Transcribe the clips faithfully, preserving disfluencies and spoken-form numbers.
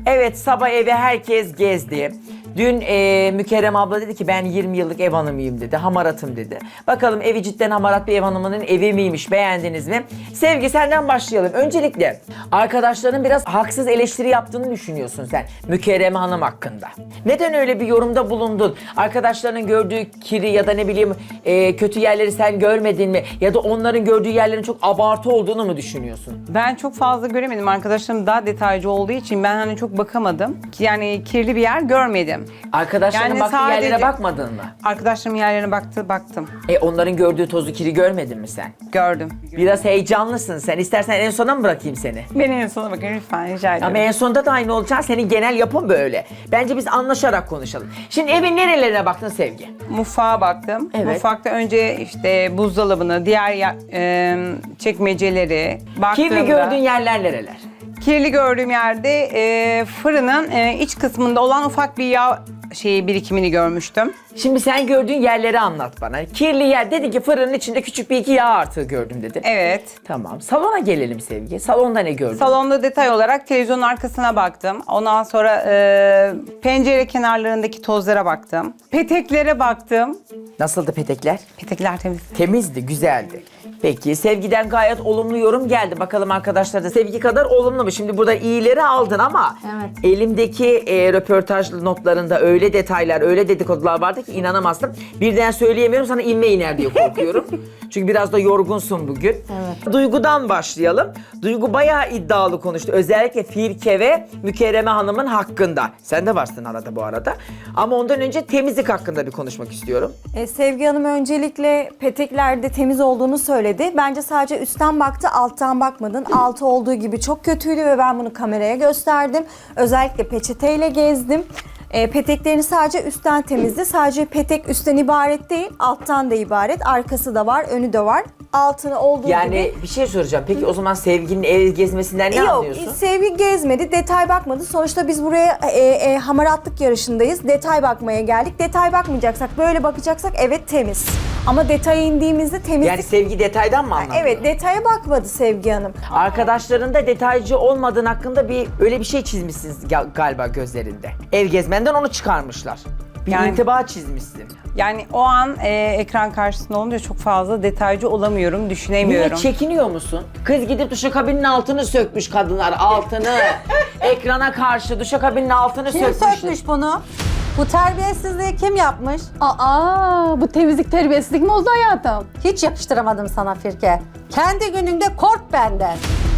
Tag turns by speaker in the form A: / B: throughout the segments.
A: Evet, sabah evi herkes gezdi. Dün e, Mükerrem abla dedi ki ben yirmi yıllık ev hanımıyım dedi, hamaratım dedi. Bakalım evi cidden hamarat bir ev hanımının evi miymiş, beğendiniz mi? Sevgi, senden başlayalım. Öncelikle arkadaşların biraz haksız eleştiri yaptığını düşünüyorsun sen Mükerrem Hanım hakkında. Neden öyle bir yorumda bulundun? Arkadaşlarının gördüğü kiri ya da ne bileyim e, kötü yerleri sen görmedin mi? Ya da onların gördüğü yerlerin çok abartı olduğunu mu düşünüyorsun?
B: Ben çok fazla göremedim. Arkadaşlarım daha detaycı olduğu için ben hani çok bakamadım. Yani kirli bir yer görmedim.
A: Arkadaşların
B: Yani
A: baktığı
B: sadece-
A: yerlere bakmadın mı?
B: Arkadaşlarım yerlerine baktı, baktım.
A: E onların gördüğü tozu kiri görmedin mi sen?
B: Gördüm.
A: Biraz heyecanlısın sen. İstersen en sona mı bırakayım seni?
B: Beni en sona bakın lütfen rica ederim.
A: Ama en sonunda da aynı olacak. Senin genel yapın böyle. Bence biz anlaşarak konuşalım. Şimdi evin nerelerine baktın Sevgi?
B: Mutfağa baktım.
A: Evet.
B: Mutfakta önce işte buzdolabını, diğer ya- e, çekmeceleri baktığımda...
A: Kirli gördüğün yerler nereler?
B: Kirli gördüğüm yerde e, fırının e, iç kısmında olan ufak bir yağ şeyi birikimini görmüştüm.
A: Şimdi sen gördüğün yerleri anlat bana. Kirli yer dedi ki fırının içinde küçük bir iki yağ artığı gördüm dedi.
B: Evet.
A: Tamam. Salona gelelim Sevgi. Salonda ne gördün?
B: Salonda detay olarak televizyonun arkasına baktım. Ondan sonra e, pencere kenarlarındaki tozlara baktım. Peteklere baktım.
A: Nasıldı petekler?
B: Petekler temiz.
A: Temizdi, güzeldi. Peki Sevgi'den gayet olumlu yorum geldi. Bakalım arkadaşlar da Sevgi kadar olumlu mu? Şimdi burada iyileri aldın ama
C: Evet.
A: elimdeki e, röportaj notlarında öyle detaylar, öyle dedikodular vardı ki inanamazdım. Birden söyleyemiyorum, sana inme iner diye korkuyorum. Çünkü biraz da yorgunsun bugün.
C: Evet.
A: Duygu'dan başlayalım. Duygu bayağı iddialı konuştu. Özellikle Firke ve Mükerreme Hanım'ın hakkında. Sen de varsın arada bu arada. Ama ondan önce temizlik hakkında bir konuşmak istiyorum.
D: E, Sevgi Hanım öncelikle peteklerde temiz olduğunu söyledi. Bence sadece üstten baktı, alttan bakmadın. Altı olduğu gibi çok kötüydü ve ben bunu kameraya gösterdim. Özellikle peçeteyle gezdim. E, peteklerini sadece üstten temizdi. Sadece petek üstten ibaret değil, alttan da ibaret. Arkası da var, önü de var. Altını olduğu
A: Yani
D: gibi...
A: bir şey soracağım. Peki o zaman Sevgi'nin ev gezmesinden ne
D: Yok,
A: anlıyorsun?
D: Sevgi gezmedi, detay bakmadı. Sonuçta biz buraya e, e, hamaratlık yarışındayız. Detay bakmaya geldik. Detay bakmayacaksak, böyle bakacaksak evet temiz. Ama detaya indiğimizde temizlik...
A: Yani Sevgi detaydan mı anlamıyor?
D: Evet, detaya bakmadı Sevgi Hanım.
A: Arkadaşların da detaycı olmadığın hakkında bir öyle bir şey çizmişsiniz ga- galiba gözlerinde. Ev gezmenden onu çıkarmışlar. Bir
B: Yani-
A: intiba çizmişsin.
B: Yani o an e, ekran karşısında olunca çok fazla detaycı olamıyorum, düşünemiyorum.
A: Niye çekiniyor musun? Kız gidip duşakabinin altını sökmüş kadınlar, altını. Ekrana karşı duşakabinin altını
C: Kim
A: sökmüş.
C: sökmüş bunu? Bu terbiyesizliği kim yapmış?
E: Aa, bu temizlik terbiyesizlik mi oldu hayatım?
C: Hiç yakıştıramadım sana Firke. Kendi gününde kork benden.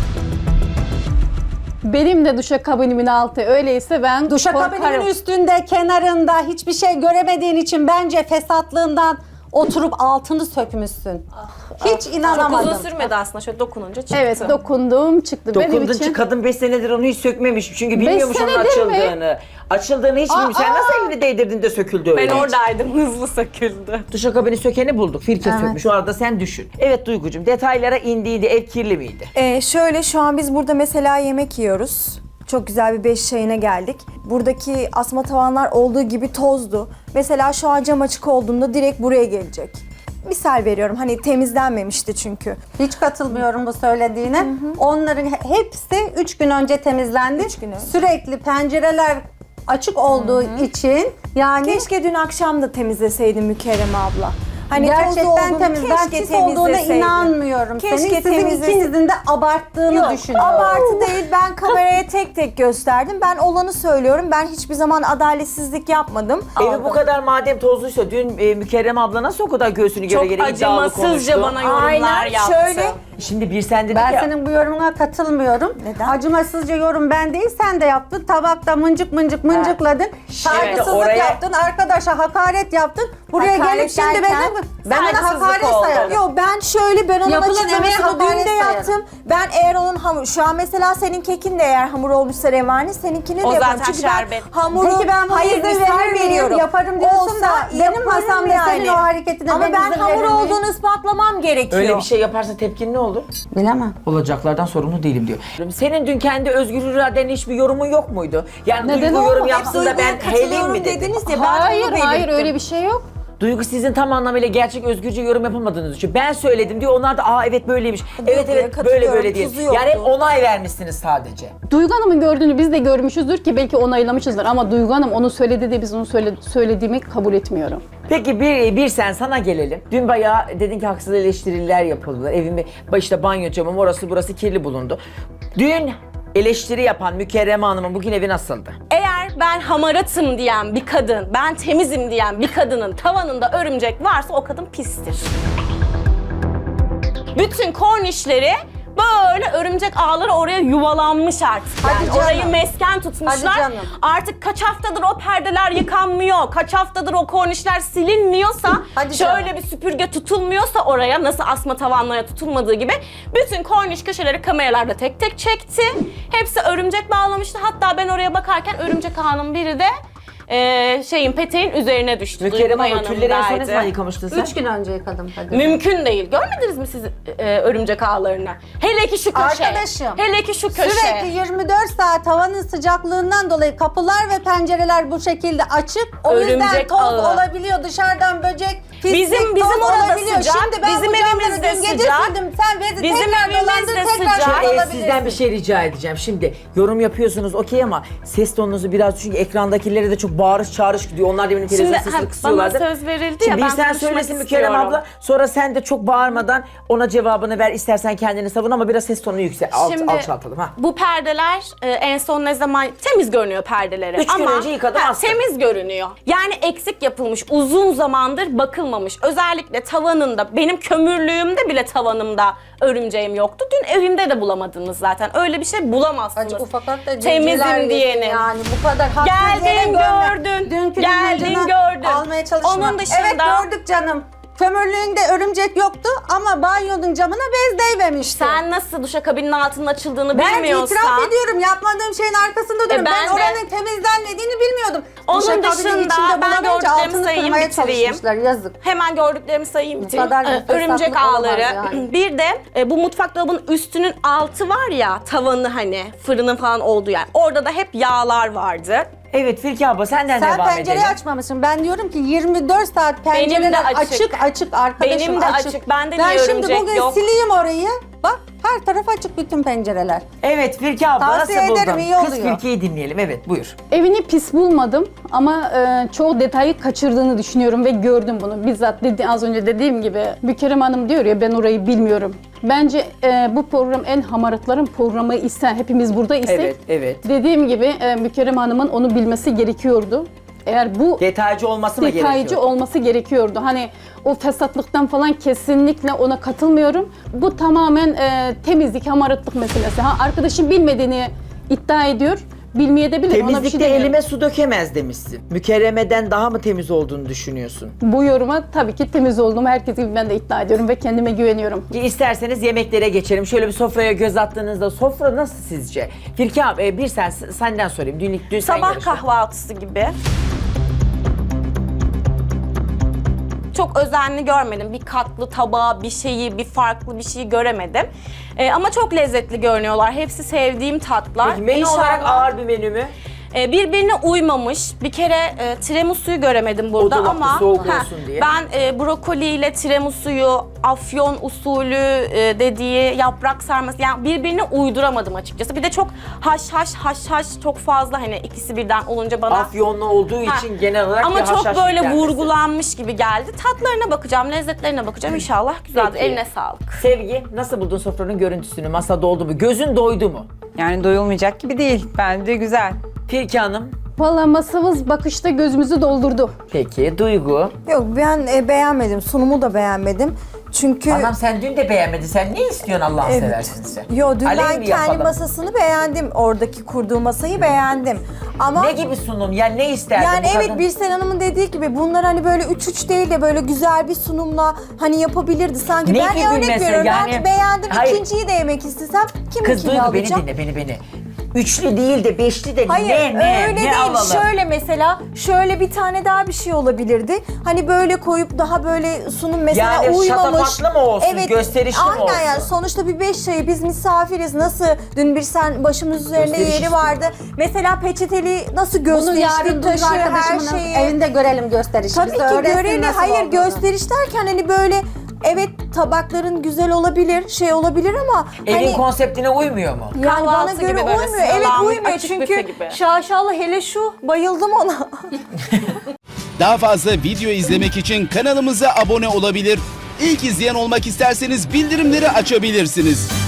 E: Benim de duşakabinimin altı öyleyse ben
C: Duşakabinin
E: korkarım.
C: üstünde, kenarında hiçbir şey göremediğin için bence fesatlığından oturup altını sökmüşsün. Hiç inanamadım.
F: Uzun sürmedi aslında, şöyle dokununca çıktı.
E: Evet, dokundum çıktı benim
A: Dokundun
E: için.
A: ki kadın beş senedir onu hiç sökmemiş. Çünkü bilmiyormuş onun
E: senedir mi?
A: açıldığını. Açıldığını hiç bilmiyor. Sen
E: Aa!
A: nasıl elini değdirdin de söküldü öyle?
F: Ben oradaydım, hızlı söküldü.
A: Duşakabini sökeni bulduk. Firke
C: Evet.
A: sökmüş. O arada sen düşün. Evet Duygucuğum, detaylara indiydi. Ev kirli miydi?
D: Ee, şöyle şu an biz burada mesela yemek yiyoruz. Çok güzel bir beş çayına geldik. Buradaki asma tavanlar olduğu gibi tozdu. Mesela şu an cam açık olduğunda direkt buraya gelecek. Misal veriyorum, hani temizlenmemişti çünkü.
C: Hiç katılmıyorum bu söylediğine. Onların he- hepsi üç gün önce temizlendi.
D: Üç gün önce.
C: Sürekli pencereler açık olduğu için yani
D: Keşke dün akşam da temizleseydin Mükerreme abla. Hani tozlu
C: gerçekten
D: olduğunu,
C: temiz. Ben
D: keşke
C: pis olduğuna
D: temizleseydin.
C: inanmıyorum.
D: Keşke
C: Senin sizin
D: temizlese-
C: ikinizin de abarttığını
D: Yok,
C: düşünüyorum.
D: abartı değil. Ben kameraya tek tek gösterdim. Ben olanı söylüyorum. Ben hiçbir zaman adaletsizlik yapmadım.
A: Evi bu kadar madem tozluysa dün e, Mükerrem abla nasıl o kadar göğsünü göre
F: Çok
A: göre iddialı konuştu?
F: acımasızca bana yorumlar
D: Aynen,
F: yaptı.
D: şöyle.
A: Şimdi bir sen dedik
C: Ben
A: ya.
C: senin bu yorumuna katılmıyorum.
D: Neden?
C: Acımasızca yorum ben değil, sen de yaptın. Tabakta mıncık mıncık mıncıkladın. Saygısızlık
A: oraya-
C: yaptın, arkadaşa hakaret yaptın. Buraya
D: Hakaret
C: gelip şimdi
D: derken
C: benim, ben ona
F: saygısızlık
C: hakaret
F: oldu.
C: sayarım.
D: Yok, ben şöyle, ben onun
C: Yapılan
D: açıklamasını
C: emeğe
D: dün
C: hakaret
D: de
C: sayarım.
D: yaptım. Ben eğer onun hamur, şu an mesela senin kekin de eğer hamur olmuşsa revani, seninkini de
F: O
D: yaparım.
F: zaten
D: Çünkü
F: şerbet.
D: ben hamuru,
C: Peki ben bunu
D: hayır
C: izin
D: misal
C: verir miyim?
D: veriyorum.
C: Yaparım diyorsun
D: Olsa
C: da benim
D: yaparım
C: masamda senin o hareketine
D: Ama
C: ben
D: ben
C: izin
D: hamur
C: verir miyim?
D: olduğunu ispatlamam gerekiyor.
A: Öyle bir şey yaparsa tepkin ne olur?
C: Bilemem.
A: Olacaklardan sorumlu değilim diyor. Senin dün kendi özgür iradenin hiçbir yorumun yok muydu? Yani
E: Neden
A: Duygu yorum
E: olmadı?
A: yapsın da ben
D: Duygu'ya
A: heleyim
D: katılıyorum
A: mi dedim.
D: dediniz ya, ben
E: Hayır,
D: onu
E: hayır
D: belirttim.
E: öyle bir şey yok.
A: Duygu sizin tam anlamıyla gerçek özgürce yorum yapamadığınız için. Ben söyledim diyor, onlar da aa evet böyleymiş. Evet evet böyle
D: katılıyorum,
A: böyle diye.
D: tuzu yoktu.
A: Yani hep onay vermişsiniz sadece.
E: Duygu Hanım'ın gördüğünü biz de görmüşüzdür ki belki onaylamışızdır ama Duygu Hanım onu söyledi de biz onu söyle, söylediğimi kabul etmiyorum.
A: Peki bir, bir sen sana gelelim. Dün bayağı dedin ki haksız eleştiriler yapıldılar. Evimi başta banyo camım orası burası kirli bulundu. Dün eleştiri yapan Mükerreme Hanım'ın bugün evi nasıldı?
F: Eğer ben hamaratım diyen bir kadın, ben temizim diyen bir kadının tavanında örümcek varsa o kadın pistir. Bütün kornişleri böyle örümcek ağları oraya yuvalanmış artık.
C: Hadi
F: Yani
C: canım.
F: orayı mesken tutmuşlar.
C: Hadi canım.
F: Artık kaç haftadır o perdeler yıkanmıyor, kaç haftadır o kornişler silinmiyorsa,
C: Hadi
F: şöyle
C: canım.
F: bir süpürge tutulmuyorsa oraya, nasıl asma tavanlara tutulmadığı gibi bütün korniş köşeleri kameralarda tek tek çekti. Hepsi örümcek bağlamıştı. Hatta ben oraya bakarken örümcek ağının biri de eee, şeyin peteğin üzerine düştü.
A: Mükerreme
F: Duygu
A: Hanım tülleri en son ne
F: yanımdaydı.
A: zaman yıkamıştın sen?
C: Üç gün önce yıkadım Kadir.
F: Mümkün değil. Görmediniz mi siz e, örümcek ağlarını? Hele ki şu köşe.
C: Arkadaşım,
F: Hele ki şu köşe.
C: Sürekli yirmi dört saat havanın sıcaklığından dolayı kapılar ve pencereler bu şekilde açık. O yüzden
F: Örümcek
C: toz
F: ağı.
C: olabiliyor, dışarıdan böcek, pislik,
F: Bizim- bizim
C: toz
F: orada
C: olabiliyor.
F: sıcak,
C: Şimdi ben
F: bizim
C: bu camları
F: evimiz de
C: dün gece
F: sıcak.
C: sildim. Sen bezi
F: Bizim
C: tekrar
F: evimiz
C: dolandır,
F: de
C: tekrar
F: sıcak.
A: Ee,
C: alabilirsin.
A: sizden bir şey rica edeceğim. Şimdi yorum yapıyorsunuz okey ama ses tonunuzu biraz çünkü ekrandakilere de çok bağırış çağırış gidiyor. Onlar da benim televizyon
F: Şimdi
A: sesini
F: ha,
A: kısıyorlardı.
F: bana söz verildi
A: Şimdi
F: ya,
A: bir
F: ben
A: sen
F: konuşmak
A: söylesin Mükerrem
F: istiyorum.
A: abla. Sonra sen de çok bağırmadan ona cevabını ver. İstersen kendini savun ama biraz ses tonunu yüksel. Alt,
F: Şimdi
A: alçaltalım ha.
F: bu perdeler e, en son ne zaman temiz görünüyor perdeleri.
A: Üç gün
F: ama
A: önce yıkadım,
F: ha,
A: astım.
F: temiz görünüyor. Yani eksik yapılmış, uzun zamandır bakılmamış. Özellikle tavanında, benim kömürlüğümde bile tavanımda örümceğim yoktu. Dün evimde de bulamadınız zaten. Öyle bir şey bulamazsınız.
C: Acı ufaklık da
F: Temizim
C: cimciler yesin
F: diyenin.
C: Yani bu kadar haksız yere
F: Geldin
C: görme.
F: gördün.
C: Dünkü
F: Geldin
C: limuncunu
F: gördün.
C: Almaya çalışma.
F: Onun dışında-
C: Evet gördük canım. Kömürlüğünde örümcek yoktu ama banyonun camına bez değmemişti.
F: Sen nasıl duşakabinin altının açıldığını
C: Ben
F: bilmiyorsan...
C: itiraf ediyorum, yapmadığım şeyin arkasında duruyorum.
F: E ben
C: ben
F: de-
C: oranın temizlenmediğini bilmiyordum.
F: Onun
C: Duşakabinin
F: dışında
C: içinde
F: ben
C: bulamayınca
F: gördüklerimi
C: altını
F: sayayım,
C: kırmaya
F: bitireyim.
C: çalışmışlar, yazık.
F: Hemen gördüklerimi sayayım bitireyim.
C: kadar
F: Ee,
C: bir
F: Örümcek
C: fesatlık olamaz
F: ağları.
C: yani.
F: Bir de e, bu mutfak dolabının üstünün altı var ya, tavanı hani fırının falan olduğu yer. Orada da hep yağlar vardı.
A: Evet Firki abla senden
C: Sen
A: devam
C: pencereyi
A: edelim.
C: açmamışsın. Ben diyorum ki yirmi dört saat pencereler
F: açık.
C: açık açık arkadaşım
F: Benim de açık. Bende
C: ben
F: niye
C: şimdi
F: örümcek
C: bugün
F: yok?
C: sileyim orayı. Bak her taraf açık, bütün pencereler.
A: Evet Firki abla
C: Tavsiye
A: nasıl
C: ederim,
A: buldun?
C: iyi
A: Kız
C: oluyor.
A: Firki'yi dinleyelim. Evet buyur.
E: Evini pis bulmadım ama e, çoğu detayı kaçırdığını düşünüyorum ve gördüm bunu. Bizzat dedi, az önce dediğim gibi Mükerrem Hanım diyor ya ben orayı bilmiyorum. Bence e, bu program en hamaratların programı ise hepimiz burada isek
A: Evet evet.
E: dediğim gibi e, Mükerrem Hanım'ın onu bilmesi gerekiyordu. Eğer bu
A: Detaycı olması mı
E: detaycı
A: gerekiyor?
E: olması gerekiyordu. Hani o fesatlıktan falan kesinlikle ona katılmıyorum. Bu tamamen e, temizlik, hamaratlık meselesi. Ha, arkadaşım bilmediğini iddia ediyor. Bilmeyebilir. Ona bir şey
A: Temizlikte
E: demiyorum.
A: elime su dökemez demişsin. Mükerremeden daha mı temiz olduğunu düşünüyorsun?
E: Bu yoruma tabii ki temiz olduğumu herkes gibi ben de iddia ediyorum ve kendime güveniyorum.
A: İsterseniz yemeklere geçelim. Şöyle bir sofraya göz attığınızda sofra nasıl sizce? Firki abi e, bir sen senden sorayım. Dün, dün sen
F: Sabah
A: yarıştın.
F: kahvaltısı gibi. Çok özenli görmedim. Bir katlı tabağı, bir şeyi, bir farklı bir şeyi göremedim. Ee, ama çok lezzetli görünüyorlar. Hepsi sevdiğim tatlar.
A: Peki menü
F: İnşallah-
A: olarak ağır bir menü mü?
F: Ee, birbirine uymamış. Bir kere e, tiramisu'yu göremedim burada
A: dolapta
F: ama
A: soğuk
F: Heh,
A: olsun diye.
F: ben e, brokoli ile tiramisu'yu afyon usulü e, dediği yaprak sarması yani birbirine uyduramadım açıkçası. Bir de çok haş haş haş haş çok fazla hani ikisi birden olunca bana
A: Afyonlu olduğu
F: Ha,
A: için genel olarak
F: ama
A: bir
F: çok
A: haşhaş
F: böyle
A: yüklenmesi.
F: vurgulanmış gibi geldi. Tatlarına bakacağım, lezzetlerine bakacağım. İnşallah güzeldir.
A: Peki.
F: Eline sağlık.
A: Sevgi nasıl buldun sofranın görüntüsünü? Masa doldu mu? Gözün doydu mu?
B: Yani doyulmayacak gibi değil. Bence güzel.
A: Firki Hanım.
E: Vallahi masamız bakışta gözümüzü doldurdu.
A: Peki Duygu.
D: Yok ben e, beğenmedim. Sunumu da beğenmedim. Çünkü
A: Anam sen dün de beğenmedin. Sen ne istiyorsun Allah'ını
D: Evet.
A: seversin sen?
D: Yo dün
A: Alev
D: ben
A: mi
D: kendi
A: yapalım?
D: masasını beğendim. Oradaki kurduğu masayı beğendim. Ama
A: Ne gibi sunum? Yani ne isterdin
D: yani
A: bu
D: evet
A: kadın?
D: Birsen Hanım'ın dediği gibi bunlar hani böyle üç üç değil de böyle güzel bir sunumla hani yapabilirdi sanki.
A: Ne
D: ben
A: gibi
D: örnek
A: mesela?
D: veriyorum.
A: Yani-
D: Belki beğendim.
A: Hayır.
D: İkinciyi de yemek istesem
A: Kız
D: kiminkini
A: Duygu beni
D: alacağım?
A: dinle beni beni. üçlü değil de beşli de
D: Hayır
A: ne ne
D: öyle
A: ne
D: değil.
A: alalım?
D: Şöyle mesela şöyle bir tane daha bir şey olabilirdi. Hani böyle koyup daha böyle sunum mesela
A: Yani
D: uymamış.
A: şatafatlı mı olsun, gösterişli mi
D: aynen
A: olsun?
D: yani sonuçta bir beş çayı biz misafiriz. Nasıl dün bir sen başımız üzerinde
A: Gösteriş
D: yeri
A: istiyorum.
D: vardı. Mesela peçeteli nasıl
C: Bunu
D: gösterişli
C: yarın Duygu
D: taşı her
C: arkadaşımın
D: şeyi.
C: evinde görelim gösterişi.
D: Tabii
C: Bize
D: ki
C: öğretsin
D: görelim.
C: nasıl
D: Hayır
C: olduğunu.
D: gösteriş derken hani böyle evet tabakların güzel olabilir, şey olabilir ama
A: Evin
D: hani
A: konseptine uymuyor mu?
D: yani bana
F: Kahvaltı
D: göre
F: gibi böyle
D: uymuyor. Evet
F: sıralanmış
D: uymuyor
F: açık büfe
D: çünkü
F: gibi.
D: şaşalı hele şu bayıldım ona.
G: Daha fazla video izlemek için kanalımıza abone olabilir. İlk izleyen olmak isterseniz bildirimleri açabilirsiniz.